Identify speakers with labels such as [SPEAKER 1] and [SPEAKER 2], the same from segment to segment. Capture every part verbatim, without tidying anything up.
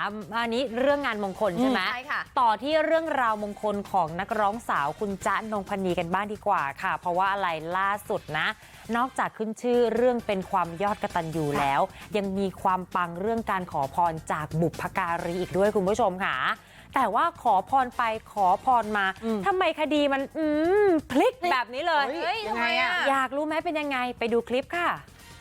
[SPEAKER 1] อันนี้เรื่องงานมงคลใช่ไหม
[SPEAKER 2] ใช่ค่ะ
[SPEAKER 1] ต่อที่เรื่องราวมงคลของนักร้องสาวคุณจ๊ะนงพนีกันบ้างดีกว่าค่ะเพราะว่าอะไรล่าสุดนะนอกจากขึ้นชื่อเรื่องเป็นความยอดกตัญญูแล้ว ยังมีความปังเรื่องการขอพรจากบุพการีอีกด้วยคุณผู้ชมค่ะแต่ว่าขอพรไปขอพรมาทำไมคดีมันอืมพลิกแบบนี้เลย
[SPEAKER 2] เฮ้ยยังไงอะ
[SPEAKER 1] อยากรู้ไหมเป็นยังไงไปดูคลิปค่ะ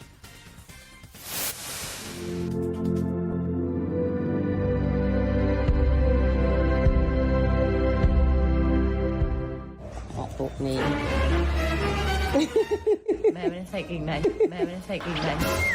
[SPEAKER 3] ปุ๊บนี้
[SPEAKER 4] แม่ไม่ได้ใส่กิ่งไหนแม่ไม่ได้ใส่กิ่งไหน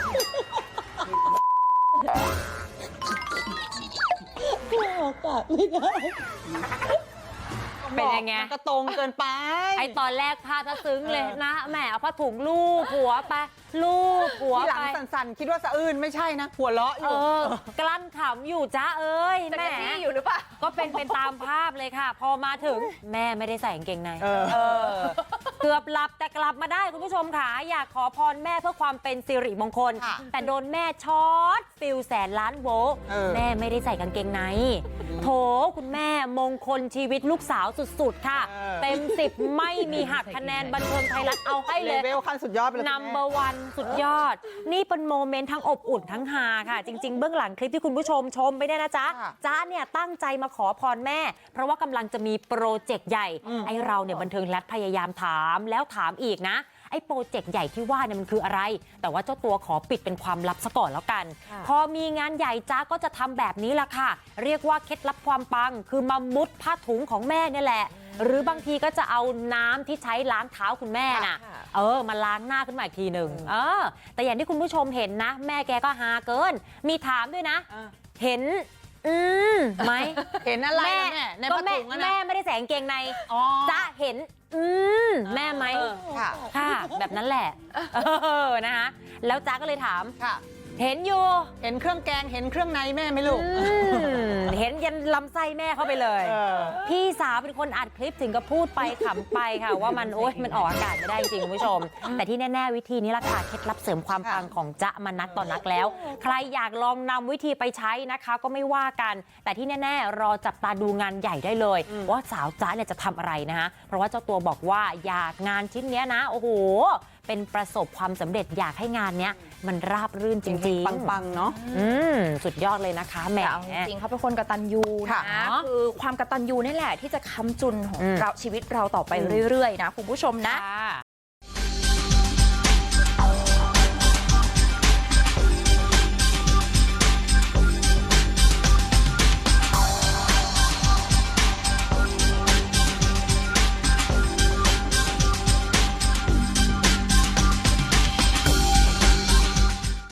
[SPEAKER 3] ออกปากไม่ได้
[SPEAKER 1] เป็นยังไง
[SPEAKER 3] มันก็ตรงเกินไป
[SPEAKER 1] ไอตอนแรกพาจะซึ้งเลยนะแหมเอาผ้าถุงลูบหัวไปลูบหัว
[SPEAKER 3] ที่หลั
[SPEAKER 1] ไป
[SPEAKER 3] งสั่นๆ คิดว่าสะอื้นไม่ใช่นะ หัวเราะอ
[SPEAKER 1] เอยู่ อกลั้นขำอยู่จ้าเอ้ย
[SPEAKER 2] จะ
[SPEAKER 1] แหม
[SPEAKER 2] กระจี้อยู่หรือเปล่า
[SPEAKER 1] ก็เป็นเป็นตามภาพเลยค่ะ พอมาถึงแม่ไม่ได้ใส่กางเกงใน
[SPEAKER 3] เออ
[SPEAKER 1] เออเกือบหลับแต่กลับมาได้คุณผู้ชมค่ะอยากขอพรแม่เพื่อความเป็นสิริมงคล
[SPEAKER 3] ค่ะ
[SPEAKER 1] แต่โดนแม่ช็อตฟิลแสนล้านโวลต์
[SPEAKER 3] เออ
[SPEAKER 1] แม่ไม่ได้ใส่กางเกงในโถคุณแม่มงคลชีวิตลูกสาวสุดๆค่ะ
[SPEAKER 3] เออ
[SPEAKER 1] เต็มสิบไม่มีหักคะแนนบันเทิงไทยรัฐเอาให้
[SPEAKER 3] เล
[SPEAKER 1] เลย
[SPEAKER 3] เวลขั้นสุดยอดไปเลย
[SPEAKER 1] นัมเบอร์วันสุดยอด นี่เป็นโมเมนต์ทั้งอบอุ่นทั้งฮาค่ะ จริง ๆ เบื้องหลังคลิปที่คุณผู้ชมชมไปเนี่ยนะจ๊ะ
[SPEAKER 3] ค่ะ
[SPEAKER 1] จ๊ะเนี่ยตั้งใจมาขอพรแม่ เพราะว่ากำลังจะมีโปรเจกต์ใหญ่ ไอเราเนี่ยบันเทิงรัฐพยายามถามแล้วถามอีกนะ ไอ้โปรเจกต์ใหญ่ที่ว่าเนี่ยมันคืออะไร แต่ว่าเจ้าตัวขอปิดเป็นความลับซะก่อนแล้วกัน พอมีงานใหญ่จ๊ะก็จะทำแบบนี้ละค่ะ เรียกว่าเคล็ดลับความปัง คือมามุดผ้าถุงของแม่เนี่ยแหละ หรือบางทีก็จะเอาน้ำที่ใช้ล้างเท้าคุณแม่น่ะ
[SPEAKER 2] ค่ะ
[SPEAKER 1] เออมาล้างหน้าขึ้นมาอีกทีหนึ่งเออ แต่อย่างที่คุณผู้ชมเห็นนะ แม่แกก็ฮาเกิน มีถามด้วยนะ
[SPEAKER 3] อ่ะ
[SPEAKER 1] เห็น อืมไหม
[SPEAKER 3] เห็นอะไร
[SPEAKER 1] แม่
[SPEAKER 3] นะแม่ใน
[SPEAKER 1] ก็
[SPEAKER 3] ผ้า
[SPEAKER 1] แม่
[SPEAKER 3] ถุงอะนะ
[SPEAKER 1] แม่ไม่ได้ใส่กางเกงใน
[SPEAKER 3] อ๋อ
[SPEAKER 1] จ๊ะเห็น อืมแม่ไหม
[SPEAKER 3] เออค่ะ
[SPEAKER 1] ค่ะ แบบนั้นแหละเออนะคะแล้วจ๊ะก็เลยถาม
[SPEAKER 3] ค่ะ
[SPEAKER 1] เห็นอยู่
[SPEAKER 3] เห็นเครื่องแกง เห็นเครื่องในแม่ไหมลูก
[SPEAKER 1] อืมเห็นยันลำไส้แม่เข้าไปเลย
[SPEAKER 3] เออ
[SPEAKER 1] พี่สาวเป็นคนอัดคลิปถึงกับพูดไปขำไปค่ะ ว่ามันโอ๊ยมันออกอากาศไม่ได้จริงคุณผู้ชม แต่ที่แน่ๆวิธีนี้ละค่ะเคล็ดลับเสริมความปังของจ๊ะมานัดต่อนักแล้ว ใครอยากลองนำวิธีไปใช้นะคะ ก็ไม่ว่ากัน แต่ที่แน่ๆรอจับตาดูงานใหญ่ได้เลย ว่าสาวจ๊ะเนี่ยจะทำอะไรนะคะเพราะว่าเจ้าตัวบอกว่าอยากงานชิ้นเนี้ยนะโอ้โหเป็นประสบความสำเร็จอยากให้งานเนี้ยมันราบรื่นจริงๆ
[SPEAKER 3] ปังๆ เนาะ
[SPEAKER 1] อืมสุดยอดเลยนะคะแหม
[SPEAKER 2] แต่เอาจริงๆเขาเป็นคนกตัญญู
[SPEAKER 3] ค่ะ
[SPEAKER 2] นะคือความกตัญญูนี่แหละที่จะค้ำจุนของ
[SPEAKER 1] อืม
[SPEAKER 2] เราชีวิตเราต่อไปเรื่อยๆนะคุณผู้ชมนะ
[SPEAKER 1] ค่ะ